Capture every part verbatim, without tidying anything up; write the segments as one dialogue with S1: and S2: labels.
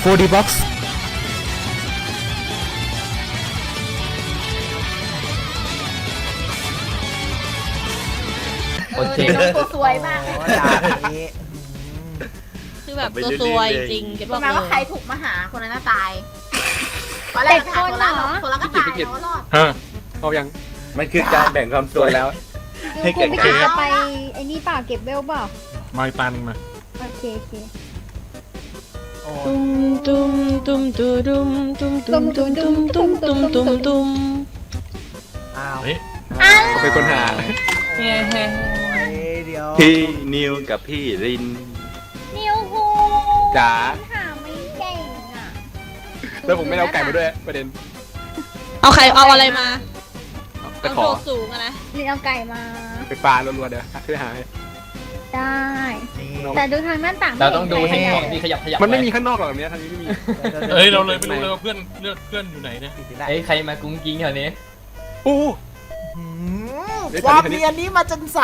S1: ร์ ดี Box
S2: โอเค
S3: ตัวสวยมากเลย
S4: คือแบบตัวซวยจริงเก็บ
S3: ป
S4: บอ
S3: ระ
S4: ก
S3: มาณ
S4: เล
S3: ว่าใคร
S4: ย
S3: ถูกมาหาคนนั้นน่ะตายตอนแรกถามคนละคนละก็ตายแล้วรอด
S1: ฮะเอายัง
S2: มันคือการแบ่งความสวยแล้ว ให้
S5: คุ
S2: เกิ
S5: ณ
S2: ด
S5: พี่
S2: ขึ้
S5: กิ
S2: น
S5: จจะไปไอ้นี่เปล่าเก็บเวลเปล่า
S1: มาปันมา
S5: โอเคโอเค
S4: ตุ้มตุ้มตุ้มตุ้มตุ้มตุ้มตุ้มตุ้มตุ้มตุ้มตุ้มตุ้มตุ้ม
S6: อ้าว
S1: เฮ้ย
S3: อ้าว
S1: เขาเป็นคนหา
S2: เฮ้เฮ้
S6: เดี๋ยว
S2: พี่นิวกับพี่ริน
S3: นิวคู
S1: จ๋า
S3: หาไม่เก่งอ่ะ
S1: แล้วผมไม่ได้เอาไก่มาด้วยประเด็น
S4: เอาใครเอาอะไรมา
S1: จะ
S4: เอา
S1: ขอ
S4: โดดสูงอะนะ
S5: นี่เอาไก่มา
S1: ไปปลารัวๆเดี๋ยวช่วยหาให้
S5: ได้
S6: นี่
S5: แต่ดูทางหน้าต่าง
S7: เราต้องดู
S5: ไม่
S7: ให้
S5: เห็น
S7: ของ
S5: ใคร
S7: ที่ขยับขยับ
S1: มันไม่มีข้างนอกหรอกแบบนี้ทางนี้ไม่มี
S8: เฮ้ยเราเลยไม่รู้เลยว่าเพื่อนเลือดเพื่อนอยู่ไหนเนี่ย
S7: เฮ้ยใครมากุ้งกิ้งแถวนี้
S1: โอ้
S6: หืมความเนียนนี้มาจนใส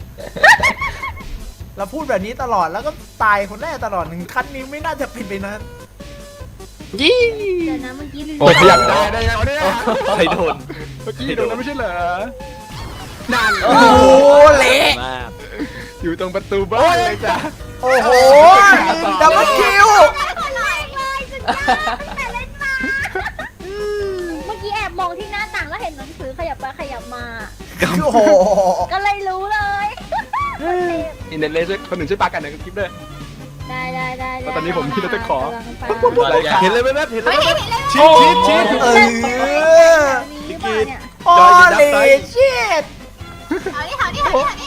S6: เราพูดแบบนี้ตลอดแล้วก็ตายคนแรกตลอดหนึ่งขั้นนี้ไม่น่าจะผิดไปนะ
S1: ยี่
S5: เดี๋ยวนะเมื่อกี้ลืม
S1: โอ้ขยับได้ได้ยังเอาเนี่ย
S2: ใครโดน
S1: เมื่อกี้โดนนั้นไม่ใช่เหรอนั่น
S6: โอ้โหเละ
S2: มาก
S1: อยู่ตรงประตูบ้านเลยจ้ะ
S6: โอ้โหดับเบิลคิว
S3: คนแรกเลยสุดยอดตั้งแต่เล่นมา
S5: อืมเมื่อกี้แอบมองที่หน้าต่างแล้วเห็นหนังสือขยับไปขยับมา
S6: โอ้โห
S5: ก็เลยรู้เลย
S1: อินเดนเลสคนหนึ่งช่วยปากันหน่อยคลิปด้วย
S5: ได้ได้ได้
S1: ตอนนี้ผมคิดว่าจะขอ
S5: กำลังไป
S1: อะไรกัน
S2: เห็นเลยไหมแม่เห็นเลย
S3: ไม่
S2: ไหม
S3: เห็นเลย
S1: ชีดชีดชีด
S6: เออ
S5: มีเปล่าเนี่ย
S6: โอ้เลชิต
S3: เอาดิเอาดิเอาดิเอาดิ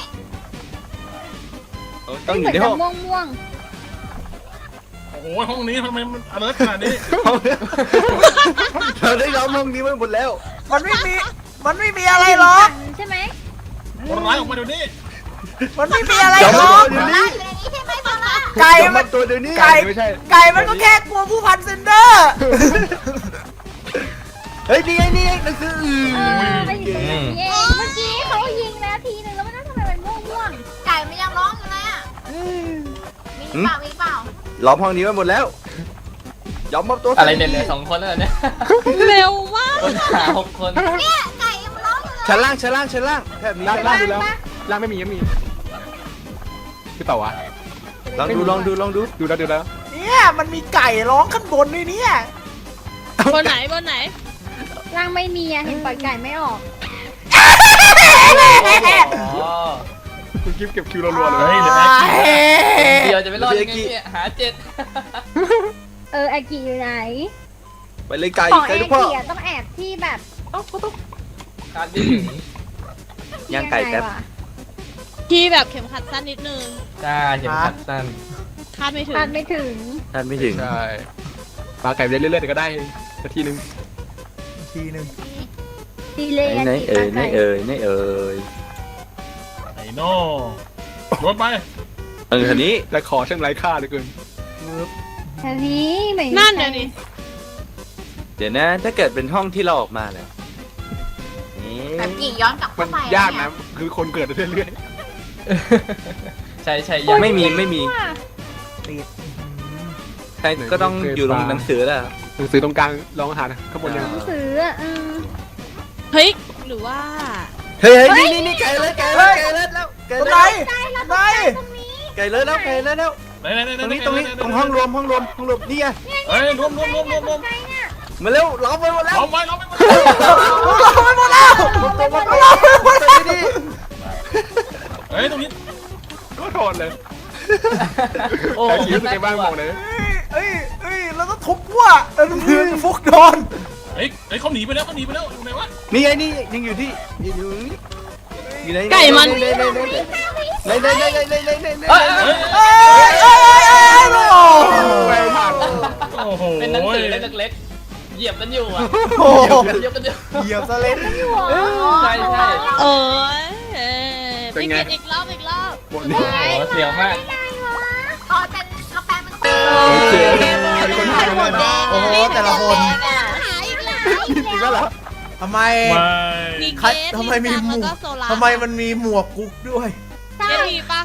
S2: ต้องอ
S5: เห
S2: ยู่
S5: มือน
S2: ใน
S5: จะ
S2: ห้อง
S5: ม่วงม่วง
S8: โอ้โหห้องนี้ทำไมมันอเลิร์ขนาดนี้
S2: เราได้ล้อมห้องนี้ไว้หมดแล้ว
S6: มันไม่มี มันไม่มีอะไร
S5: ๆ
S6: หรอก
S5: ใช่ไหม
S8: คนร้ายออกมาเดี๋ยวนี้
S6: มันไม่มีอะไร
S2: เดี๋ยว
S6: หร
S2: มา
S6: อก
S2: ตัวเดี๋ยว
S3: ได้
S2: นี้
S3: อยู่ในนี้ใช่ไหมบอลล่ะ
S6: ไก่
S2: เดี๋ยว
S6: มั
S2: มาน ตัวเดี๋ยวนี้
S6: ไก่
S1: ไม่ใช่
S6: ไก่มันก็แค่กลัวผู้พันเซนเดอร์
S2: เฮ้ยนี่ไงนี่ไงหนังสืออื่น
S5: เออไปอยู่ตรงนี้เองเมื่อกี้เขายิงแล้วทีนึงแล้วมันน่าทำไมมันม่วงม่วง
S3: ไก่มันยังร้องอยู่เลยอ่ะมีเปล่ามีเปล่า
S2: ล้อมห้องนี้ไว้หมดแล้วยอมมอบตัว
S7: อะไรเนี่ยเหลือสองคนแล้วเหรอเนี่ย
S4: เร็วมาก
S7: คนหาหกคน
S3: เนี่ยไก่ยังร้องอยู่เลย
S2: ชั้นล่างชั้นล่างชั้นล่างแถบนี้
S1: ล่าง
S2: ชั้น
S1: ล่า
S2: ล่าง ง
S1: ดูแล้วล่างไม่มียังมีคือเปล่าวะ
S2: ลองดูลองดูลองดู
S1: ดูแล้วดูแล้ว
S6: เนี่ยมันมีไก่ร้องข้างบนด้วยเนี่ย
S4: บนไหนบนไหน
S5: ร่างไม่มีอะเห็นปล่อยไก่ไม่ออก
S7: อ๋อ
S1: คุณกิฟเก็บคิวรัวๆเลย
S8: เฮ้ยเดี๋ยวนะ
S7: เดียวจะไม่รอดยังไงเนี่ยหาเจ็ด
S5: เออแอกิอยู่ไหน
S2: ไปเลยไก่
S5: ของแอ
S2: ไก่ทุกพ่อ
S5: กิอะต้องแอบที่แบบ
S7: คาดไม่ถึง
S2: ย่างไก่แป๊บ
S5: ยังงวะ
S4: ที่แบบเข็มขัดสั้นนิดนึง
S7: จ้าเข็มขัดสั้น
S4: คาดไม่ถึง
S5: คาดไม่ถึง
S2: ท่านไม่ถึง
S1: ใช่ปลาไก่เรื่อยๆแต่ก็ได้สักทีนึง
S6: ทีหนึ่ง
S5: ดีเลย
S2: ไหน
S5: แอ
S2: ไหน
S5: กิ
S2: เอ่ย
S5: ปลา
S2: ไหน
S5: ไก่
S2: เอ่ยไหนเอ่ย
S8: ไอ้โน่รถไป
S2: เออคันนี้
S1: แต่ขอช่างไร้ค่าเหลือเกิน
S5: แถวนี้ไม่มี
S4: นั่น
S5: ใคร
S4: เดี๋ยวนี้
S2: เดี๋ยวนะ ถ้าเกิดเป็นห้องที่เราออกมาแล้วนี่
S3: แบบกี่ย้อนกลับ
S1: มั
S3: เข้าน ไป
S1: ยากนะคือคนเกิดเรื่อย
S7: ใช่ใช่ยัง
S2: ไม่มีไม่มี
S5: ว่ะ
S6: ติด
S2: ใครก็ต้องอยู่ตรงหนังสือแล้ว
S1: ๆหนังสือตรงกลางลองอาหารข้างบนยัง
S5: หนังสืออะเออ
S4: เฮ้ยหรือว่า
S2: เฮ้ยเฮ้ยนี่นี่นี่ไก่เลยไก่เลยไก่เลยแล้วไก่
S6: ตรง
S2: เล
S6: ไหน
S2: ย
S6: ไหน
S2: ไก่เลยแล้วไก่เลยแล้ว
S8: ไหนไหนไหน
S2: ตรงนี้ตรงนี้ตรงห้องรวมห้องรวมห้องรวมนี่ไง
S8: เฮ้ยรวมรวมรวมรวมรวม
S2: มาเร็วล้อมไว้หมดแล้ว
S8: ล้อมไว้ล้อมไว้
S6: เราไปหมดแล้ว
S2: ตัวมันล้อมไว้หมดแล้วนี่
S8: เฮ้ยตรงนี้
S1: ก็โทนเลย
S7: โอ้
S1: แต่คิวเป็นไงบ้างบอกเลย
S6: เอ้ยเอ้ยเราต้องทุบว่ะเออเพื่อนฟุกโดน
S8: เฮ้ยเฮ้ยเขาหนีไปแล้วเขาหนีไปแล้วอยู่ไหนวะ
S2: นี่ไงนี่ยังอยู่ที่อยู่นี่อยู่ไหน
S4: ไก่มัน
S2: ไหนไหนไหนไหนไหนไหนไหนไหนไหนไหน
S7: เอ้ย
S8: เฮ้ย
S6: เอ้ยเอ้ยเอ้ยเอ้ยโอ้
S1: ไปถัง
S8: โอ้โห
S7: เป็นหนังสือเล็กๆเหยียบกันอยู่อ่ะ
S6: โห
S7: เหยียบกันอยู่
S6: เหยียบสเลน
S7: ใช่ใช่
S4: เอ้ยเอ้ยพี่กินอีกรอบอีกรอบ
S1: บนนี้
S7: โอ้เสียวมาก
S3: พอเป็นกาแฟมัน
S1: โอเคมีคนหาเลยนะ
S6: โอ้โหแต่ละคน
S3: หาอีกแล้ว
S1: จริงก็เหรอ
S6: ทำไม
S8: ไม่
S4: มี
S6: ใคร
S4: เกส
S6: ทำไมมีหม
S4: แล้ว
S6: ว
S4: ก็
S6: ก
S4: โซลาร์
S6: ทำไมมันมีหมวกกุ๊กด้วย
S4: เกสมีปะ
S3: เรา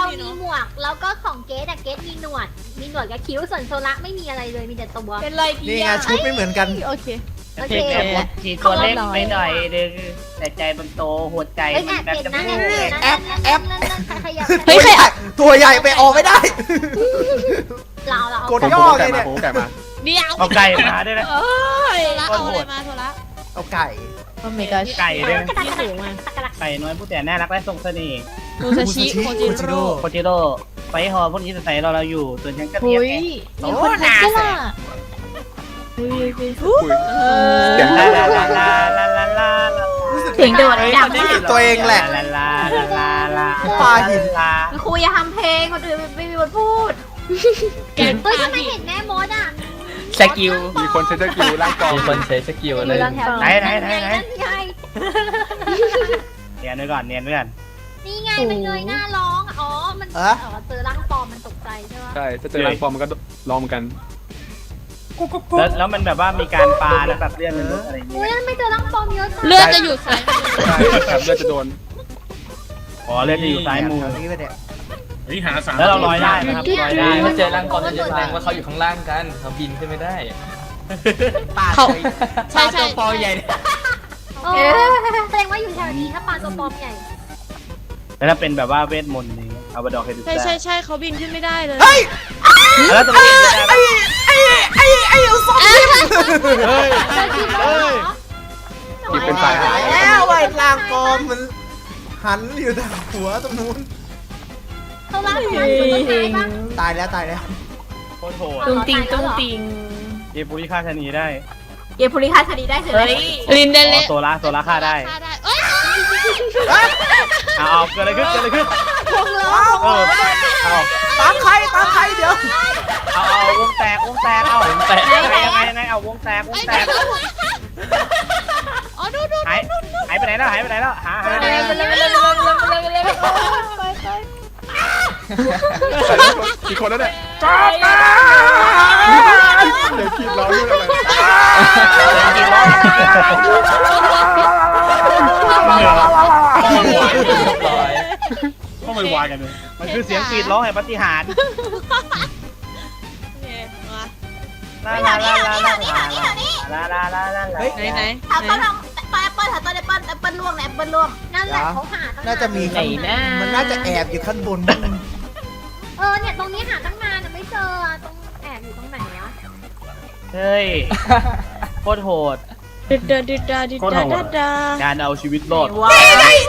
S5: มีหมวกแล้วก็ของเกสอะเกสมีหนวด มีหนวดกับคิ้วส่วนโซละไม่มีอะไรเลยมีแต่ตัว
S4: เป็นไรดี
S6: นี่ไงชุดไม่เหมือนกัน
S4: โอเค
S5: โอเค
S9: ทีแบบทีตัวเล็กไปหน่อยนึงแต่ใจมันโตหัวใจ
S5: เอ้ย
S9: มั
S5: แอน บ
S9: แบบ
S5: เห็น
S9: จะ
S5: นะ
S9: พู
S5: แอบ
S9: ด
S5: เห็นนะ
S6: แอปแอป
S5: นั่นๆๆใครขยับ
S4: เฮ้ยใครอะ
S6: ตัวใหญ่ไปออกไม่ได้
S5: เราเรา
S6: กด
S1: ผม
S6: ย่อ
S1: ผม
S6: ไง
S1: ไก่
S6: เนี่
S1: มาย ผมไก่มา
S4: เดี๋ยว
S9: เอาไก่มาด้วยนะ
S4: เอ้ย
S9: โค
S4: เอา
S9: ตรโห
S4: อะไร
S9: ด
S4: มาโทรละ
S6: เอาไก่
S4: โอ้ my god
S9: ไก่ด้วยนะ
S4: ที่สูงอ่ะ
S9: ไก่น้อยผู้แต่น่ารักและทรงเสน่ห์
S4: มูซาชิโคจิโร่
S9: โคจิโร่ไฟฮอพวกนี้จะใส่เราเราอยู่ส่วนฉันก็
S4: หุ
S9: เรียก
S4: ย
S9: ไง
S4: มีคนทักด้วยล่ะเฮ้ย
S1: คุย
S4: เอ
S1: เสียง
S9: ลา
S4: อ
S9: ลาลาลาลาลาลา
S6: รู้สึก
S3: เสียงโดดดังมาก
S6: ตัวเองแหละ
S9: ลาลาลาลาลา
S6: ปลาหิน
S9: ลา
S3: ครูอย่าทำเพลงคนอื่นไม่มีบทพูด
S4: เก่ง
S5: เฮ้ย
S4: ปา
S5: ทำไม
S4: หิ
S5: เห็นแม่มดอ่ะ
S7: สกิล
S1: มีคนใช้สกิลร่างกอง
S7: มีคนใช้สกิลเลย
S9: ไหนไหนไหนไหน
S5: นั่นไง
S9: เนียนไว้ก่อนเนียนไว้ก่อน
S5: นี่ไงมันเงยหน้าร้องอ๋อมัน
S6: เอ๊ะ
S5: อ๋อเจอร่างปลอมมันตกใจใช่ปะ
S1: ใช่ถ้าเจอร่างปลอมมันก็ลองเหมือนกัน
S9: แล้วแล้วมันแบบว่ามีการปาแล้วแบบเลื่อนมันลุกอะไรอย่างเงี้
S5: เฮ้ย
S9: ย
S5: นั่นไม่เจอร่างปลอมเยอะจัง
S4: เลือดจะอยู่ซ้ายมือ
S1: ใช่ครับเลือดจะโดน
S9: อ๋อเลื่อนจะอยู่ซ้ายมือ
S6: แถวนี้ไปเนี่ย
S8: เฮ้ยหาสาม
S9: แล้วเราลอยได้นะครับลอยได้
S7: ถ้าเจอร่างกองจะแสดงว่าเขาอยู่ข้างล่างกันเขาบินขึ้นไม่ได้
S4: เขาใช่ใช่
S7: ปอใหญ่
S5: โอ้แสดงว่าอยู่แถวนี้ถ้าปลาตัวปลอมใหญ่
S9: แล้วถ้าเป็นแบบว่าเวทมนต์นี่เอาบดอกให้ดู
S4: ใช่ใช่ใช่เขาบินขึ้นไม่ได้เลย
S6: เฮ้ย
S9: แล้วจะเป็นยังไง
S6: ไอ้ไอ้ไอ้ไอ้เอาซอมบี้
S9: เฮ้ย
S5: เจอจริงเหรอ
S1: ที่เป็นฝ่ายหาย
S6: แล้วไอ้ลางกอมมันหันอยู่ทางหัวตรงนู้น
S5: เขาล่างปลาอยู่ตรงไหนบ้าง
S6: ตายแล้วตายแล้ว
S9: โคตรโหด
S4: ตุ้งติงตุ้งติง
S9: เยปุริฆ่าชะนีได้
S3: เกมภูริคาคดีได้คืออะไร
S4: ลินเด
S9: อ๋
S4: เล่
S9: อโซล่าโซล่าฆ่าได้
S4: ฆ่าได้เอ้ย
S9: เอาเอาเกิดอะไรขึ้นเกิดอะไรขึ้น
S6: ว้าว
S9: เออเอา
S6: ตามใครตามใครเดี๋ยว
S9: เอาเอาวงแตกวงแตกเอาวงแตกยังไงยังไงยังไงเอาวงแตกวงแตก
S4: อ๋อดูดู
S9: หายหายไปไหนแล้วหายไปไหนแล้วหาหา
S4: เร็วเร็วเร็วเร็วเร็วเร็วเร็วไปไป
S1: อีกคนแล้วเนี่ยจ้าบมาเดี๋ยวคิดร้องด้วยอะไร
S8: ต้องไปวายกันเลย
S9: มันคือเสียงกรีดร้องแห่งปาฏิหาริย์
S4: เนี่ยมา
S9: ลาลาลาลาลาลาลาลาลาลา
S4: ไหนไหน
S3: ถามต้นทำปลาแอปเปิ้ลถามต้นแอปเปิ้ลแอปเปิ้ลล่วงแอปเปิ้ลล่วง
S5: นั่นแหละเขาหาตั้ง
S6: น่าจะมีข้างมันน่าจะแอบอยู่ข้างบน
S5: เออเนี่ยตรงนี้หาตั้งนานแต่ไม่เจอตรงแอบอยู่ตรงไหนวะ
S9: เฮ้ยโคตรโหด
S4: ดิดดาดิดดาดิดดาดาดา
S9: การเอาชีวิตรอด
S3: ว้าว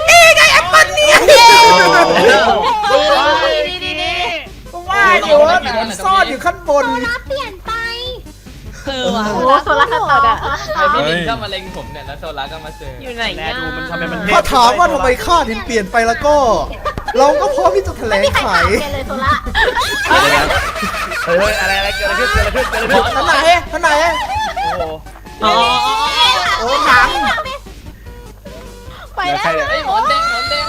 S6: ว่าอยู่ว่าซ่อนอยู่ข้างบน
S5: รับเปลี่ยนไป
S4: เออว่ะ
S3: โอ้โซล่าสตอร์อะ
S7: แต่พี่ลินก็มาเล็งผมเนี่ยแล้วโซล่าก็มาเจอ
S4: อยู่ไหน
S9: แล
S4: เนี่ย
S9: ดูมันทำไมมัน
S6: ถ้าถามว่าทำไมข้าถึงเปลี่ยนไปแล้วก็ เราก็พร้อมที่จะแถล
S3: ไม่
S6: ง
S3: มีใคร
S6: ไข
S3: ถามแกเลยโซล่า
S9: เฮ้ยอะไรอะไรเกิดอะไรขึ้นเกิดอะไรขึ้นเกิดอะไรขึ้น
S6: ท่านไหนท่านไหน
S9: โอ้โห
S4: อ๋อ
S6: โอ้หนัง
S3: ไปแล้ว
S1: ใครอะ
S7: ไอ้หมอนแดงหมอนแดง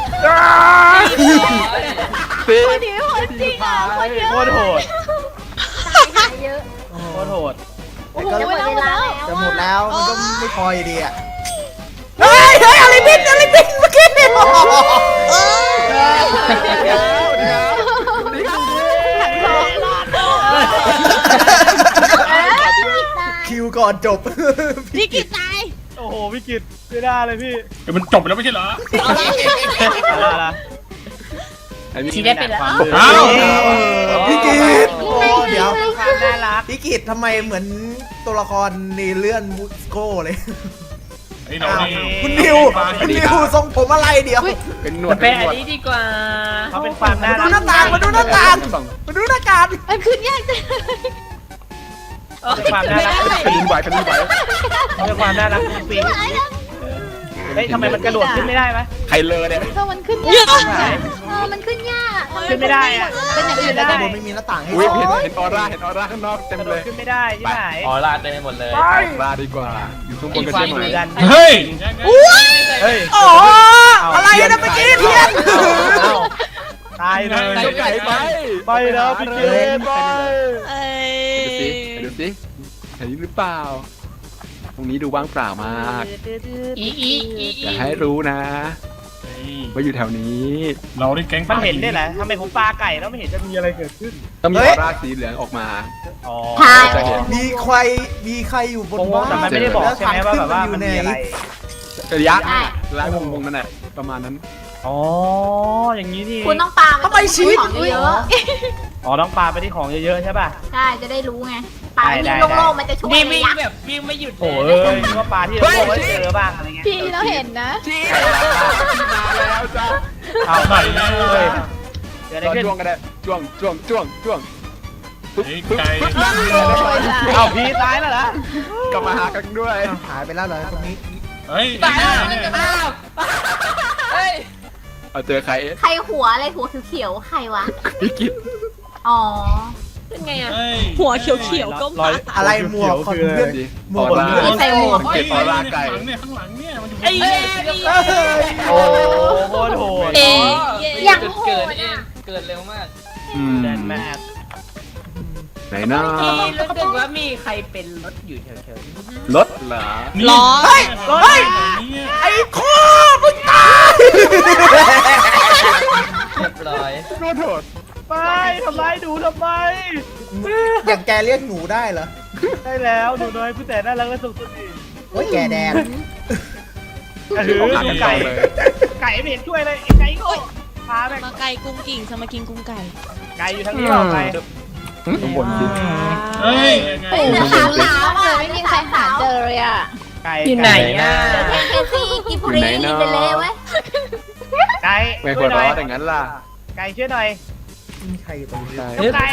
S1: ตี
S3: คนนี้คนจริงอ่ะคนเยอะ
S9: โคตรโหด
S5: หาเยอะ
S9: โคตรโหด
S3: โอ้โหเวลาแล้ว
S6: จะหมดแล้วมันก็ไม่พออยู่ดีอ่ะเฮ้ยเฮ้ยอะไรบินอะไรบินเมื่อกี้เออคิวก่อนจบ
S4: พี่กิตตาย
S9: โอ้โหพี่กิตไม่ได้เลยพี่
S8: เดี๋ยวมันจบไปแล้วไม่ใช่เหรอ
S9: อะไรอะไร
S1: ทีได้เป็นแล้ว
S8: อ้าว
S6: พี่กิตโอ้เดี๋ยว
S9: ความน่ารัก
S6: พี่กิตทำไมเหมือนตัวละครในเรื่องมูสโก้เลย
S8: ไอ้น้องนี่
S6: คุณนิวคุณนิวทรงผมอะไรเดี๋ยว
S1: เป็นหนว
S9: มั
S1: ด
S9: นเป็นอันนี้ดีกว่าเขาเป็นความน่ารัก
S6: มาดูหน้าต่างมาดูหน้าต่าง มาดูหน้าการ
S4: มันขึ้นยากจัง
S9: เป็นความน่ารัก
S1: แผ่นดินไหวแผ่นดินไหว
S9: เป็นความน่ารักจริงเฮ้ยทำไมมันกระโดดขึ้นไม่ได้ไหม
S1: ใครเลอเนี่ย
S4: ถ้ามันขึ้นยาก
S5: เออมันขึ้นยากอะ
S9: ขึ้นไม่ได้อะ
S4: เป็นอย่างอื่น
S6: ด้า
S4: ได้
S6: นบนไม่มีหน้าต่างให้
S1: อุ้ยเห็นเห็นออร่าเห็นออร่าข้างนอกเต็ม
S9: กระโด
S1: เล
S9: ด
S1: ย
S9: ขึ้นไม่ได้ที่ไหน
S7: อ๋อลาดเต็มไปหมดเลย
S1: ออร่าดีกว่า อยู่ข้างบนกันใช่ไหม
S9: ดัน
S8: เฮ้ย
S9: เฮ้ย
S6: อ๋ออะไรนะเมื่อกี้เทียน
S9: ตายเลย
S1: เจ้าไก่ไป
S9: ไปแล้วพี่เกมไป
S4: เอ้
S1: ดูสิดูสิเห็นหรือเปล่า ตรงนี้ดูว่างเปล่ามาก
S4: อีอีอี
S1: อย่าให้รู้นะว่าอยู่แถวนี้
S8: เราได้แก๊ง
S9: มันเห็นได้แหละทำไมผมปลาไก่แล้วไม่เห็นจะมีอะไรเกิดขึ้น
S1: ต้องมีออร่าสีเหลืองออกมา
S9: อ๋อ
S3: ใช่
S1: จะเห็น
S6: มีใครมีใครอยู่บน
S9: โอ้โห
S6: บ้าน
S9: แต่มันไม่ได้บอกใช่ไหมว่าแบบว่ามันมีอะไร
S1: ระยะระยะวงวงนั่นแหละประมาณนั้น
S9: อ๋ออย่างนี้นี่
S3: คุณต้องปา
S6: ทำไมชีวิต
S3: ของเยอะ
S9: อ๋อต้องปลาไปที่ของเยอะๆใช่ป่ะ
S3: ๆใช่จะได้รู้ไงปา
S9: ได้
S3: ที่
S9: ได้
S3: โล่งๆมันจะช่วย
S7: วิ่ง
S3: ระ
S7: ไม่
S3: ยะ
S7: แบบวิ่งไม่หยุดเล
S9: โอ้
S7: ย
S9: ยนึกว่าปลาที่เราไว้เจอบ้างอะไรเงี้ย
S4: พี่เราเห็นนะ
S1: มาแล้วจ้า
S9: เอาไหนเลยเดี๋ยวอะไรขึ้น
S1: จ้วงก็ได้จ้วงจ้วงจ้วงจ้วงปุ๊บ
S8: ไอ้
S1: ปุ๊บ
S8: ไก่
S1: ปุ๊บ
S9: เอาพีตายแล้วเหรอก
S1: ลับมาหากันด้วย
S6: หายไปแล้วเหรอตรงนี้
S8: เฮ้ย
S7: ตายแล้ว
S8: เนี่ย
S7: อ้าวเฮ้ย
S1: เอาเจอใคร
S3: ใครหัวอะไรหัวเขียวๆใครวะ
S1: พี่กิต
S3: อ๋อ
S7: เป็นไงอ่ะ
S8: เฮ้ย
S4: หัวเขียวๆก็
S9: รอย
S6: อะไรหมวกคอนเพื่อน
S1: ดี
S6: หม
S1: อ
S6: ว
S1: อก ร่า
S3: ไม่ใส่หมวก
S1: สังเกตออร่าไก่
S8: ข้างหลังเนี่ยข้างหลังเนี่ยมันอยู่
S7: ไอ้เหี้ยนี่
S9: โอ้โหโหด
S4: เอ๊ะ
S5: อย่างโห
S7: เกิด
S5: ด
S7: เอง
S5: อ่ะ
S7: เกิดเร็วมาก
S1: อืม
S9: แดนแมท
S1: ไหนนะ
S7: รู้สึกว่ามีใครเป็นรถอยู่แถวๆนี้
S1: รถเหรอ
S4: ล้อ
S6: เฮ้ยเฮ้ย
S8: เนี่ย
S6: ไอ้โคมึงตาย
S7: เรียบร้อย
S1: โทษโทษ
S9: ไปทำไมดูทำไม
S6: อย่างแกเรียกหนูได้เหรอ
S9: ได้แล้วหนูน้อยผู้แต่น่ารักและสุขสดี
S6: โอ้ยแกแดง
S9: กระหือ
S1: ออกหากัน
S9: ไก่
S1: ต่อเลย
S9: ไก่ไม่เห็นช่วยเลยไอ้ไก่โง่พาแม่ง
S4: มาไก่กุ้งกิ่งสมากินกุ้งไก่
S9: ไก่อยู่ทางนี้เปล่าไก่
S1: ข้างบนสิ
S8: เฮ้ย
S3: เฮ้ยแต่ขาวขาวอ่ะไม่มีใครหาเจอเลยอ่ะ
S9: ไก่
S7: อยู่ไหนอ่ะ
S3: เดี๋ยวเทซี่กิบุรีอินเดเลยเว้ย
S9: ไก่
S1: ไม่
S9: ช่
S1: คว
S9: วย
S1: ร
S9: หน่
S1: ร้
S9: อ
S1: อย อย่างนั้นล่ะ
S9: ไก่ช่วยหน่อย
S6: มีใครอยู่ตรงนี้
S1: ใช่
S9: น้องไก่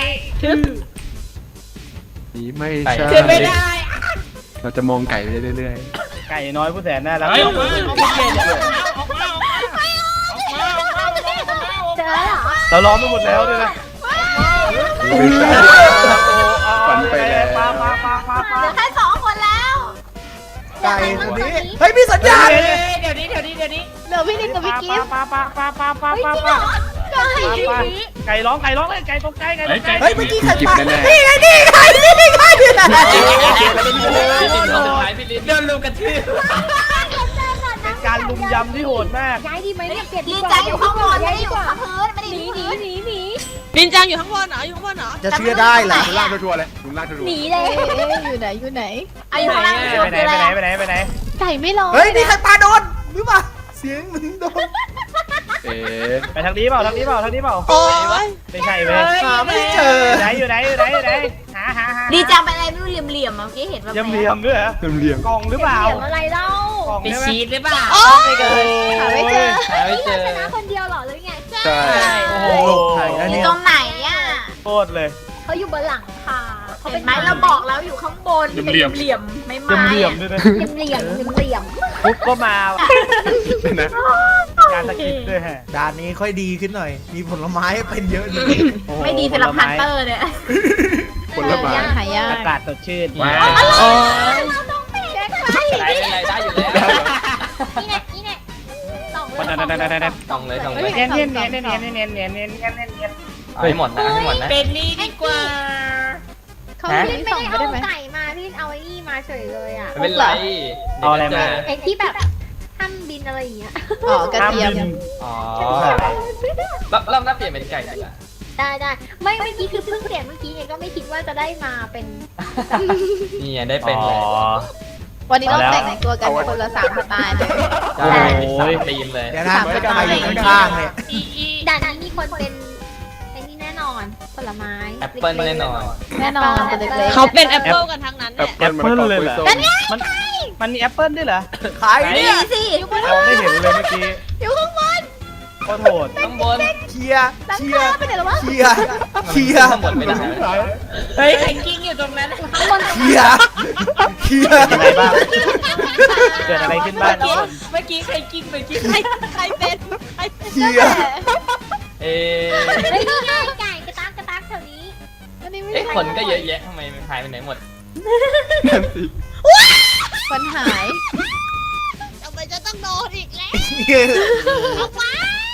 S1: นี่ไม่
S7: ไก่
S1: ใช่
S7: เชื่อไม่ได้
S1: เราจะมองไก่ไปเรื่อย
S9: ไก่น้อยผู้แสนน่ารัก
S8: เฮ้ยออกมา
S9: เ
S8: ออกมาออกมาออกมาออกมาออกมาออกมาออกมา
S5: เจอเหรอ
S9: ราล้อมไปหมดแล้วเลยนะ
S1: ๆไม่ใช่ ฝันไปแล้ว
S9: ปาปาปาปาปา
S3: เหลือแค่สองคนแล้ว
S6: ไก่ตัวนี้ เฮ้ยมีสัญญาณ
S7: เดี๋ยวนี้เดี๋ยวนี้เดี๋ยวนี้
S4: เหลือพี่นิดกับพี่กิ๊ฟ
S9: ปาปาปาปาปาปาปาไก่ร้องไก่ร้องเลยไก่ตกใจไก่ตกใจ
S6: เฮ้ยเมื่อกี้ใคร
S1: กิบ
S6: ปา
S1: แน่
S6: นี่ไงนี่ไงนี่ไง
S7: พี่ลินคนสุดท้ายพี่ลินโดนลุมกระทืบ
S9: เป็นการลุมยำที่โหดมาก
S5: ย้ายดีไหมเนี่ยเปลี่ยน
S3: ดี
S5: ดีกว่า
S3: ใจอยู่ข้างบนไม่ได้อยู่ข้างพื้นไม่ได้
S5: ห
S3: อ
S5: นี
S3: ยู่
S5: หนี
S3: พื้น
S5: หนีหนี
S4: นินจังอยู่ข้างบนเหรออยู่ข้างบนเหรอ
S6: จะเชื่อได้เหรอ
S1: ๆลุงลากทัวร์ๆเลยลุงลากทัวร์
S5: หนีเลย
S4: อยู่ไหนอยู่ไหน
S3: เอาอยู่ข้างล่าง
S9: ไปไหน
S3: คือ
S9: ไป
S3: อะไร
S9: ไหนไปไหนไปไหน
S4: ไก่ไม่ร้อง
S6: เฮ้ยนี่ใครปาโดนหรือเปล่าเสียงมึงโดน
S1: ๆเอ๊ะ
S9: ไปทางนี้เปล่าทางนี้เปล่าทางนี้เปล่า
S4: โอ้ย
S9: ไม่ใช่เว้ย
S6: หาไม่เจอ
S9: ไหนอยู่ไหนอยู่ไหนอยู่ไหนหาหาหา
S3: ดีจังเป็นอะไรไม่รู้เหลี่ยมๆเมื่อกี้เห็นแบบ
S9: ยำเหลี่ยมด้วยเหรอ
S1: เรียง
S9: กล่องหรือเปล่า
S5: เดี๋ยวอะไรเล่าก
S9: ล่อง
S7: ไป
S9: ใช่ไหม
S7: ชีดหรือเปล่า
S4: โอ้ย
S9: หาไม่เจอ
S7: หาไม่เจอ
S5: ชนะคนเดียวเหรอหรือไง
S1: ๆใช่
S9: โอ้โห
S6: ใครนะ
S3: อยู่
S6: เนี่ย
S3: ตรงไหนอ่ะ
S9: โคตรเลย
S5: เขาอยู่บนหลังคาเขา
S3: เห็
S5: เป็น น
S3: ไหมเราบอกแล้วอยู่ข้างบนเป็นเหลี่ยมๆไม่ไม้
S9: ยำเหลี่ยมด้วยนะ
S5: เหลี่ยมเหลี่ยมเหลี่ยม
S9: ปุ๊บก็มา
S1: นะ
S9: การสกิปด้วยฮะ
S6: ด่านนี้ค่อยดีขึ้นหน่อย มีผลไม้ให้เป็นเยอะเลย
S9: โอ้โห
S3: ไม่ดีสำหรับฮันเตอร์เนี่ย
S1: ผลไม้
S4: หายาก
S9: อากาศสดชื่น
S7: ว้า
S4: โอ้ย
S7: อะไรอะไรได้อยู่แล้ว
S5: นี่ไงนี่ไงสองเลย
S7: ต้องเลยต้องเลย
S9: เนียนเนียนเนียนเนียนเนียนเนียนเนียนเนียนเนียนเนียนเนียน
S7: เอาให้หมดนะเอาให้หมดนะ
S4: เป็นนี่ดีกว่า เขา
S5: พี่
S4: ไม่
S5: ไม่
S4: ส่อง
S5: ได้
S4: ไป
S5: เอา
S4: ได้ไหม
S5: ไก่มาพี่เอาไอ้นี่มาเฉยเลยอ่ะ
S7: ไม่เป็นไร
S9: เอาอะไรมา
S5: ไอ้ที่แบบห้ามบินอะไรอย่างเงี้ย
S4: อ๋อกระเทียม
S7: อ๋อรอบรอบหน้าเปลี่ยนเป็นไก่ดีกว่า
S5: ได้ได้ไม่เมื่อกี้คือเพิ่งเปลี่ยนเมื่อกี้ไงก็ไม่คิดว่าจะได้มาเป็น
S7: นี่ไงได้เป็นเลย
S4: วันนี้เราแต่งตัวกันคนละสามสไตล์เลย
S7: ใช่สามตีมเลย
S6: เดี๋ยวนะไม่ใครอยู่ข้างๆเนี่ย
S5: ด่านนี้มีคนเป็นไอ้นี่แน่นอนผลไม้
S7: แอปเปิ้ลแน่นอน
S4: แน่นอนตัวเล็กๆเขาเป็นแอปเปิลกันทั้งนั้นแห
S1: แอ
S4: ละ
S1: ปเปิ้ลมันก็เลยเหรอ
S9: มันมันมีแอปเปิ้ลด้วยเหรอ
S6: ขาย
S3: ดี
S6: เนี่ย
S3: สิ
S9: เราไม่เห็นเลยเมื่อกี้
S4: อยู่ข้างบน
S9: โคตรโหด
S7: ข้างบน
S6: เคลียร์เคลียร์
S4: ไปไหนแล้ววะ
S6: เคลียร์เคลียร์
S7: ข้างบนไม่ได้
S4: เฮ้ยใครกิ้งอยู่ตรงนั้น
S5: ข้างบน
S6: เคลียร์เคลียร์
S9: อะไรบ้างเกิดอะไรขึ้นบ้างทุกคน
S4: เมื่อกี้ใครกิ้งเมื่อกี้ใครใครเป็นใครเป็น
S6: เคลียร์
S7: เอ๊ะ
S5: เฮ้ยนี่ไงไก่กระตักกระตักแถวนี้
S4: อันนี้ไม่
S7: เอ๊ะคนก็เยอะแยะทำไมมันหายไปไหนหมด
S1: นั่นสิ
S4: คนหายทำไมจะต้องโดนอีกแล้วเอาไป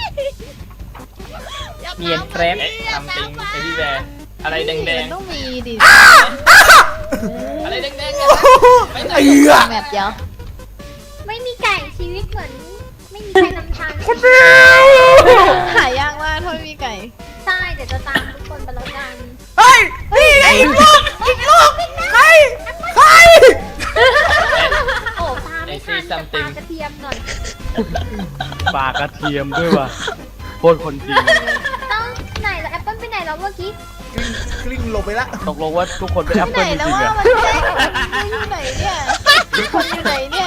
S7: เนียนแครปทำติงไอพี่แบร์อะไรแดง
S4: มันต้องมีดิ
S7: ๆอะไรแดงๆเนี่ยไปไหน
S6: ไอ้เหี้ย
S4: แมปเดียว
S5: ไม่มีไก่ชีวิตเหมือนไม่มีใครนำทาง
S1: คนเดียว
S4: หายากมากถ้าไม่มีไก่
S5: ใช่เดี๋ยวจะตามทุกคนไปแล้วกัน
S6: เฮ้ยนี่ไงอีกลูกอีกลูกใครใคร
S5: โอ้ตามไม่ทันจะตามกระเทียมหน่อย
S9: ปลากระเทียมด้วยว่ะโคตรคนจริง
S5: ต้องไหนแล้วแอปเปิ้ลไปไหนแล้วเมื่อกี้
S6: กลิ้งหลบไปละ
S9: ตกลงว่าทุกคนเป็นแอป
S4: ไหน
S9: เปิ้ลจ
S4: แล้ว
S9: ริงๆ
S4: ว่า
S9: อะ
S4: มันแค่อยู่ไหนเนี่ยคนอยู่ไหนเนี่ย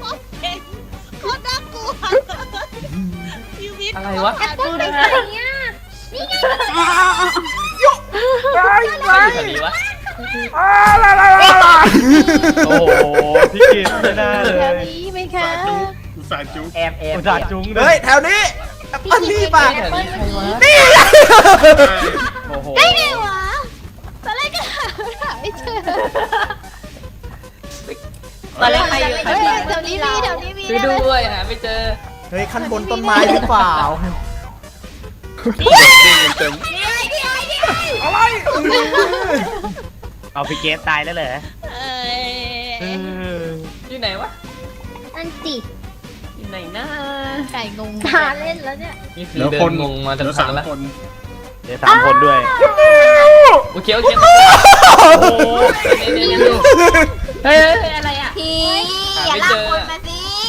S7: อะไรวะ
S5: แอปเปิ้ลไปไหนเนี่ยนี่ไง
S1: ไปไป
S7: แถวนี้วะ
S1: อ่าลาลาลาลา
S9: โอ้โหพี่กินไม่น่าเล
S4: แถวย นี้ไหมคะ
S8: อุตส่าห์จุ๊บ
S7: แอบแอบ
S9: อุตส่าห์จุ้งด้ว
S6: เฮ้
S9: ย
S6: ยแถวนี้แอปเปิ้ลนี่ป่ะ
S5: แอปเปิ้ลเมื่อกี้
S6: นี่
S9: โอ้โห
S4: ได้ไงวะตอนแรกก็หาไม่เจอ
S7: ตอนแรกใครอยู่ใคร
S4: เฮ้ย
S7: อยู่
S4: แถวนี้มีแถวนี้มี
S7: ช่วยด้วยหาไม่เจอ
S6: เฮ้ยขั้นบนต้นไม้หรือเปล่า
S2: เต็ม
S6: อะไร
S9: เอาพี่เกสตายแล้วเหรอ
S4: เอ้ย
S9: เออ
S7: อยู่ไหนวะ
S5: อันจิ
S7: อยู่ไหนนะ
S4: ไก่งง
S5: ตาเล่นแล้วเนี่ย
S7: นี่คือ
S8: เหลือ
S7: เดิ
S8: คน
S7: นงงมา
S8: เห
S7: ตั้
S8: ลื
S7: ง
S8: อ
S7: พั
S8: สาก ม
S7: แล้ว
S8: คน
S9: เดี๋ยวสามคนด้วย
S7: โอเคโอเค
S9: โอ้โห
S7: นี่นี่นี่เฮ้ยอะไรอ่ะ
S3: พี่อย่าลากคนมาสิ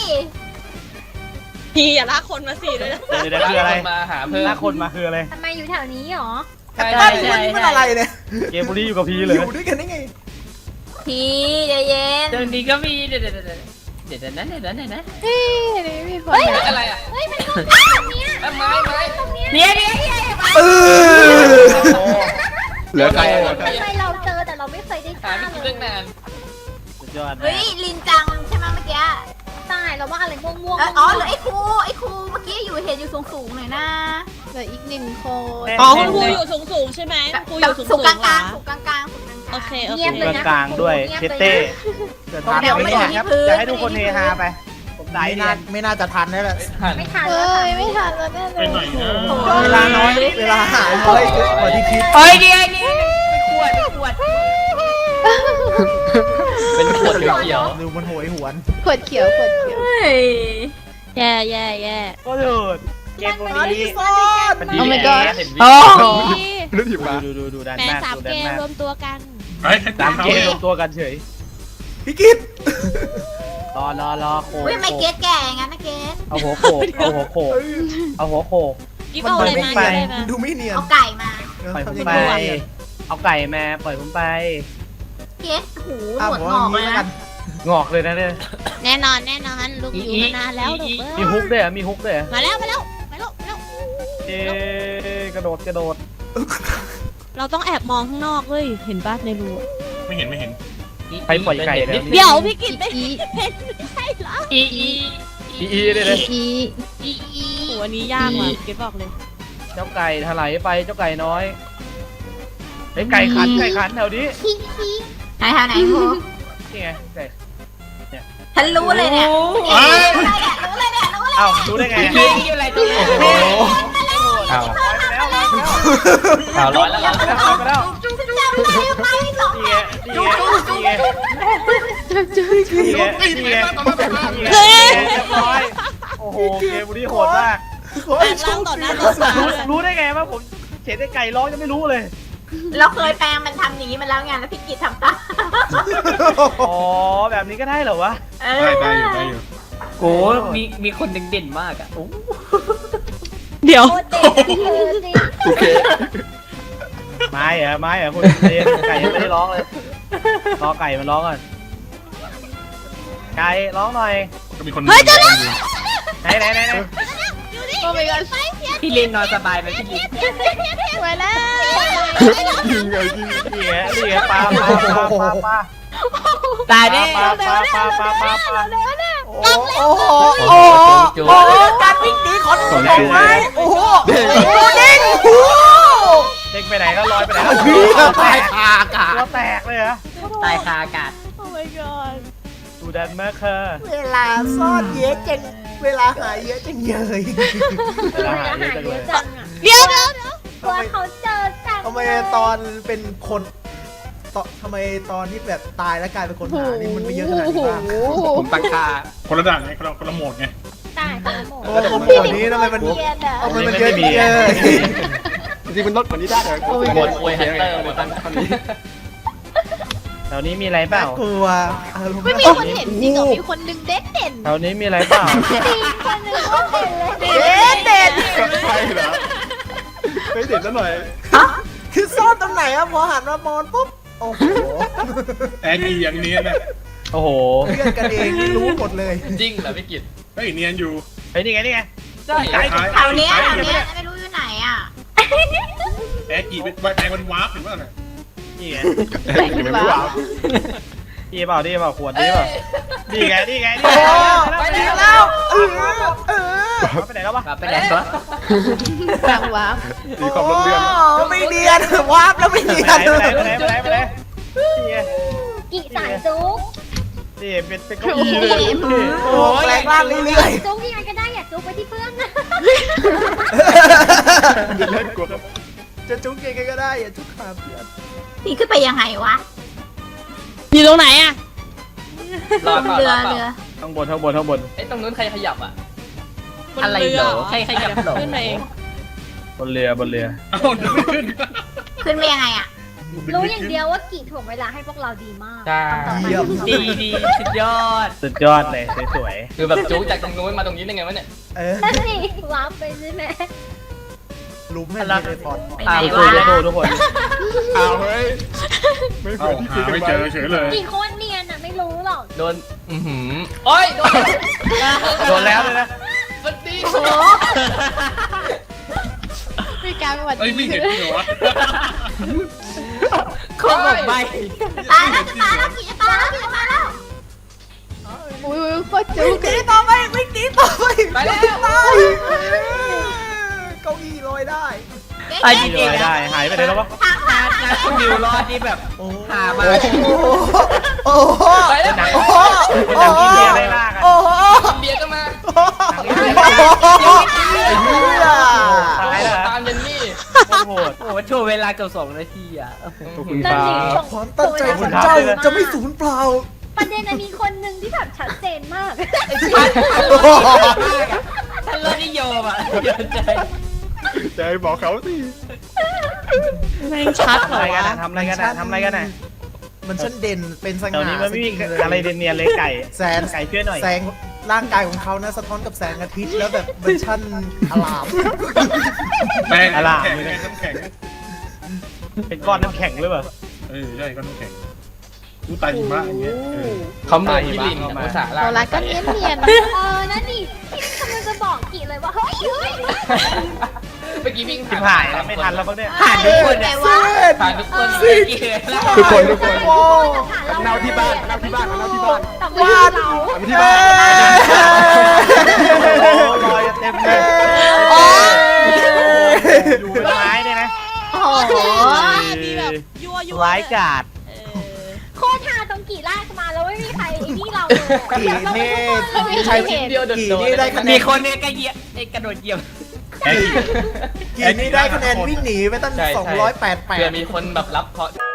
S4: พี่อย่าลากคนมาสิเลยนะ
S9: เดี๋ยวเดี๋ยวคืออะไร
S7: มาหาเพิ่ม
S9: หน้าคนมาคืออะไร
S5: ทำไมอยู่แถวนี้หรอ
S6: แอปเปิ้ลนี่มันนี่มันอะไรเนี่ย
S9: เกมบุรีอยู่กับพี่
S6: อ
S9: เลย
S6: ยู่ด้วยกันได้ไง
S3: พี่ใจเย็น
S7: เดินดีก็มีเดี๋ยวเดี๋ยวเดี๋ยวเดี๋ยวนะเดี๋ยวนะเดี๋ยวนะ
S4: เฮ้ยนี่มีคน
S7: อะไรอ่ะ
S5: เฮ้ยมันตรงนี้ตรงเนี้ย
S7: ไม้ไม้
S5: ตรงเนี้ย
S3: เนี่ยเนี่ยเนี่ย
S6: เออ
S2: เหลือใคร
S5: ทำไมเราเจอแต่เราไม่เคยได้
S7: หา
S5: ฆ่า
S7: ไม่กิน
S5: เล
S7: เรื่
S5: ย
S7: องนาน
S9: สุดยอด
S3: เฮ้ยลินจังใช่ไหมเมื่อกี้
S5: ตายเราว่าอะไรม่วงม่วง
S3: เอออ๋อเหรือไอ้ครูไอ้ครูเมื่อกี้อยู่เห็นอยู่สูงสูงๆหน่อยนะ
S4: เหลืออีกหนึ่งคน
S9: อ๋อ
S4: คุณครูอยู่สูงสูงใช่ไหมครูอ
S3: แบบ
S4: ยู่สูง
S3: สู
S4: สู
S3: ง
S4: ง
S3: กลาง
S4: เหร
S3: กลา
S4: อง
S3: สูงกลางกลางสูงกลางกลาง
S4: โอเคโอเค
S5: เงียบเลยนะ
S9: กลางๆด้วยเชเต้เดี๋ยวทานไม่ได้ครับอยากให้ทุกคนเฮฮาไป ผมได้
S6: ไม่
S9: เนี
S6: น่าย ไม่น่าจะทันแล้วแหละ
S7: หัน
S5: ไม่ทัน
S4: เฮ้
S5: แล้ว
S4: ยไม่ทันแล้วแน่เล
S8: ไป
S4: ย
S8: ไหนนะ
S6: เวลาน้อยเวลาหายน้อยกว่าที่คิด
S3: เฮ้ยเนี่ยเนี่ย
S7: เป็นขวดเขียว
S6: ดูมันโหยหวน
S4: ขวดเขียวขวดเขียว
S3: เฮ้ย
S4: แย่แย่แย่
S9: ก็เถิดเกมบุรี
S6: ซอส
S9: มันดี
S4: Oh my
S9: แ
S4: god
S9: เห็นวิ
S1: อ๋อ
S4: พี่
S1: เรื่องหยิบมา
S9: ดูดูดูดัน
S4: แม่
S9: มาก
S4: สาม
S9: ดู
S4: เก
S9: ดัน
S4: ม
S9: มาก
S4: รวมตัวกัน
S8: ไอ้ให้
S9: สาม
S8: เขา
S9: เกมรวมตัวกันเฉย
S6: พี่กิต
S9: รอรอรอโขก
S3: เฮ้ยไม่เกตแก่งั้นนะเกต
S9: เอาหัวโขกเอาหัวโขกเอาหัวโขก
S4: กิ๊บเอาอะไรมา
S9: ไป
S4: กิ๊บอะไรมา
S6: ดูไม่เนียน
S3: เอาไก่มา
S9: ปล่อยผม
S6: ทำยัง
S9: ไป
S6: ไง
S9: เอาไก่มาปล่อยผมไป
S3: เกตหูห
S6: อ้าวน
S3: วด
S6: ผม
S3: ง
S6: ว่า
S3: อก
S6: งี้
S3: เลย
S6: แล้วกั
S3: นะ
S6: น
S9: งอกเลยนะเนี่ย
S4: แน่นอนแน่นอนลูกอยู่มานานแล้วลูกเอ้
S9: มี
S4: ย
S9: ฮุกด้วยเหรอมีฮุกด้วยเหรอ
S4: มาแล้วมาแล้วมาแล้วมาแล้ว
S9: เอ๊ะกระโดดกระโดด
S4: เราต้องแอบมองข้างนอกเว้ยเห็นบ้านในรู
S8: ไม่เห็นไม่เห็น
S9: ใครปล่อยไก่เนี่ย
S4: เดี๋ยวพี่กินไม่เป็นไม่ใช่เหรอ
S7: อีอี
S9: อีอีเลยเลย
S4: อีอีอีโหอันนี้ยากว่ะเก็บบอกเลย
S9: เจ้าไก่ถลายไปเจ้าไก่น้อยไอ้ไก่ขันไก่ขันแถวนี้
S5: ขี้ขี้
S3: ไหนทางไหนครู
S9: นี่ไงไก่
S3: ฉันรู้เลยเนี่ย
S8: เอ้ย
S3: รู้เลยเนี่ยรู้เลย
S9: เอ้ารู้ได้ไง
S7: ขี้ขี้อะไรตรงนี้
S1: โอ้โห
S2: เอา
S9: ไปแล้วไปแล้ว
S2: เอาร้อยแล้ว
S9: ไปแล้วไปแล้ว
S3: จุ๊บจุ๊บจำได้ไหมสอง
S9: นี่ไงนี่ไงนี่ไงนี่ไงนี่ไงเรียบร้อยโอ้โหเกมบุรีโหดมาก
S6: โอ้
S4: แปล
S6: ย
S4: งร่างต่อหน้าต่อตา
S9: รู้
S4: เลย
S9: รู้ได้ไงว่าผมเห็นไอ้ไก่ร้องยังไม่รู้เลย
S3: เราเคยแปลงมันทำอย่างนี้มาแล้วไงแล้วพี่กิตทำตาม
S9: อ๋อแบบนี้ก็ได้เหรอวะ
S3: เอ
S8: ได้
S3: อ
S8: ได้อยู่ได้อยู่
S7: โอ้มีมีคนเด่นๆมากอ่ะโอ้
S4: เดี๋ยว
S5: โคตรเด็กอะเออจริง
S2: โอเค
S9: ไม้เหรอไม้เหรอคุณเรียนไก่ยังไม่ได้ร้องเลยรอไก่มันร้องก่อนไก่ร้องหน่อย
S8: ก็มีคนเฮ้ยจะ
S9: ไหนไหนไหนไหน
S4: โอ้ my god
S7: พี่ลินนอนสบายไหมพี่ลิน
S4: สวยแล้ว
S1: ยิงไงยิง
S9: นี่ไงนี่ไงปลาปลาปลาปลาปลา
S7: ตายแน่
S9: ปลาปลาปลาปลาปลาปลา
S6: โอ้โหโอ้โหโอ้โหการวิ่งหนีของดอกไม้โอ้โหโอ้โหเด้งโอ้โห
S9: เด็กไปไหนก็ลอยไปไหน
S6: เฮ้ยตายคาอากาศ
S9: ตัวแตกเลยเหรอ
S7: ตายคาอากาศ
S4: โอ้ my god
S9: ดูดันมากค่ะ
S6: เวลาซ่อนเยอะจังเวลาหายเยอะจังเยย
S9: เวลาหายเยอะจังเลย
S5: จังอะ
S4: เดี๋ยวเดี๋ยวเดี๋ยว
S5: กลัวเขาเจอจัง
S6: ทำไมตอนเป็นคนตอนทำไมตอนที่แบบตายแล้วกลายเป็นคนหานี่มันไม่เยอะขนาดนี้บ้าง
S2: ผมตั้งค่า
S8: คนละด่านไงคนละคนละโหมดไง
S5: ตาได้คนละโหมด
S6: โอ้โหโหมดนี้ทำไมมัน
S5: เกียร์อะ
S6: ทำไมมันเยอะจังเลย
S1: จริงๆมันลดกว่านี้ได้แต่
S7: หมดอวยฮันเตอร์หมด
S1: ตอนนี้
S9: แถวนี้มีอะไรเปล่า
S6: กลัวอารมณ์
S4: ไม่มีคนเห็นจริงเหรอมีคนนึงเด่นเด่น
S9: แถวนี้มีอะไรเปล่า
S5: คนหนึ่งก็เป็นเลย
S6: เด็ดเด็ด
S1: ใช่เหรอไม่เด็ดซะหน่อย
S6: คือซ่อนตรงไหนอะพอหันมามองปุ๊บโอ้โห
S8: แอนกี้อย่างเนียนนะ
S9: โอ้โห
S6: เพื่อนกันเองนี่รู้หมดเลย
S7: จริงเหรอพี่กิต
S8: เฮ้ยเนียนอยู่
S9: เฮ้ยนี่ไงนี่ไง
S7: ใช่
S3: แถวเนี้ยแถวเนี้ยไม่รู้อยู่ไหนอ่ะ
S8: แอนกี้เป็นแปลงมันวาร์ปเห็นป่ะน่ะ
S9: นี่ไง
S1: ยังไม่ว้าว
S9: นี่เปล่านี่เปล่าขวดนี่เปล่านี่ไงนี่ไง
S6: โอ้
S9: นี่ไง
S6: ไปแล้วเออเออ
S9: ไปไหนแล้ววะ
S7: ไปไหนวะ
S4: กลางวาร์ป
S1: มีความร่มเรือน
S6: โอ้ไม่เนียนวาร์ปแล้วไม่เนีย
S9: ไป
S6: น
S9: ไหนไปไหนไปไหนไปไหนนี่ไง
S5: กี่สายจุ๊ก
S9: นี่เป็นเป็นเก้าอี้เลย
S6: โอ้แปลงร่างเรื่อย
S5: จุ๊กยังไงก็ได้อย่าจุ๊กไปที่เพื่อนนะ
S1: เล่นกลัวครับ
S6: ๆจะจุ๊กยังไงก็ได้อย่าจุ๊กขาเพื่อน
S3: นี่ขึ้นไปยังไงวะ
S4: อยู่ตรงไหนอ่ะ
S7: รอดเปล่า
S3: เรือ
S7: รอดเปล่า
S3: เรือ
S9: ข้างบนข้างบนข้างบน
S7: ไอ้ตรงนู้นใครขยับอ่ะ
S4: บน
S7: อะไร
S4: เรือ
S7: เหรอใครขยับเหรอ
S4: ขึ้นมาเอง
S9: บนเรือบนเรือ
S8: เอ้าเดินไม่ขึ้น
S3: ขึ้นไปยังไงอ่ะ
S5: รู้อย่างเดียวว่ากี่ถ่วงเวลาให้พวกเราดีมาก
S7: ใช่
S6: เยี่ยม
S7: ดีดีสุดยอด
S9: สุดยอดเลยสวย
S7: คือแบบจุ๊กจากตรงนู้นมาตรงนี้ได้ไงวะเนี่ย
S6: เออ
S5: นั่นสิวาร์ปไปใช่ไหม
S6: ลุมให้มีเลยพอด
S3: ไป
S9: ๆ
S3: ไหน
S9: สู้
S3: วะ
S9: ๆสู้ๆทุกคน
S1: อ้าวเฮ้ยไม่เหมื
S8: เอ้า
S1: อนที่คุ
S8: หาย
S1: กัน
S8: ไม่
S1: ไว้
S8: เจอเฉยเลย
S5: กี่โคตรเนียนอ่ะไม่รู้หรอก
S7: โดน อือหือโอ้ย โดน
S9: โดนแล้วเลยนะ
S7: มันดี
S3: โอ้โห
S4: มีการหวัด
S8: เอ้ย
S4: ดี
S8: ไม่เห็นจริงเหรอวะ
S7: โคตรหมดใบ
S3: ตายแล้วจะตายแล้วกี่จะตายแล้วกี่จะตายแล้ว
S4: อุ้ยโคตรจุ๊ก
S6: หนีต่อไปไม่หนีต่อไป
S7: ไปแล้ว
S6: ตายเก้าอี้ลอยได้
S3: เก๋
S7: ไอ้
S3: เก๋
S7: จริง
S9: ลอยได้หายไปไหนแล้ววะ
S3: ทางทาง
S7: นะคุณดิวรอดนี่แบบ
S6: โอ้
S7: หามา
S6: โอ้โห
S7: ไปแล้ว
S9: หนัง
S6: โอ้โห
S9: เป็นหนังอินเดียได้ล่ากัน
S6: โอ้โห
S7: อินเดียก็มา
S6: ไอ้เหี้ย
S9: ตายแล้ว
S7: ตามเยนนี่
S9: โอ้โห
S7: โอ้โหโชว์เวลาเกือบสองนาทีอ่ะ
S1: ขอบคุณค
S5: นั่น
S1: รั
S5: สิ
S1: บ
S5: ส่ง
S6: ความตั้งใจของเจ้าจะไม่สูญเปล่า
S5: ประเด็นน่ะมีคนหนึ่งที่แบบชัดเจนมาก
S7: ท่านรถนิยมอ่ะเยอะใจ
S1: จะให้บอกเขาสิ
S4: แม่งชัดเหร
S9: ทำ
S4: อ
S9: อะไรกัน
S4: วะ
S9: นะทำอะไรกันนะทำอะไรกันนะ
S6: มันช่างเด่นเป็นส
S9: แถว
S6: ง่า
S9: นี้มันไม่มีอะไรเนียนๆเลยไก่
S6: แสง
S9: ไก่ช่วยหน่อย
S6: แสงร่างกายของเขานะสะท้อนกับแสงอาทิตย์แล้วแบบมันช่างอลาม
S8: แปลงน้ำแข็งไงน้ำแข็ง
S9: เป็นก้อนน้ำแข็งหรือเปล่า
S8: เออใช่ก็น้ำแข็งดูตายหิมะอย่างเงี้ยเออ
S7: เขาเหมือนพี่ลินอะภาษาลา
S4: โซล่าก็เนียนเนียน
S5: เออนั่นนี่พี่กำลังจะบอกกี่เลยว่าเฮ้ยเฮ้ย
S7: เมื่อกี้วิ่ง
S9: ชิบหายแล้วไม่ทันแล้วมั้งเนี่ย
S7: ผ่านทุกคน
S3: ไง
S7: อะ
S3: วะ
S7: ผ่านทุกคนเมื่อกี้แล้ว
S1: ทุกคนทุกคน
S6: โอ้
S1: เน่าที่บ้านเน่าที่บ้านเน่าที่บ้าน
S5: แต่ไม่ใช่เรา
S1: เอาที่บ้าน
S9: โอ้ลอยเต็มเลย
S6: โอ้ย
S9: อยู่เป็นไม้เนี่ยนะ
S3: โอ้โห
S4: มีแบบยั่วยั่ว
S9: ร้ายกาจ
S4: เออ
S5: โคตรทาตรงกี่ลากมาแล้วไม่มีใครไอ้นี่เราเลย
S6: กี่นี่
S7: ใช้ชิ้นเดียวโดด
S6: กี่
S7: โดด
S6: นี่ได้คะแนน
S7: มีคนเนี่ยก็เหยียบไอ้กระโดดเหยียบ
S6: กี่นี่ได้คะแนนวิ่งหนีไปตั้ง
S7: ใช่ใช่
S6: สองร้อยแปดแป
S7: เผื่อ
S6: ด
S7: มีคนแบบรับเคราะห์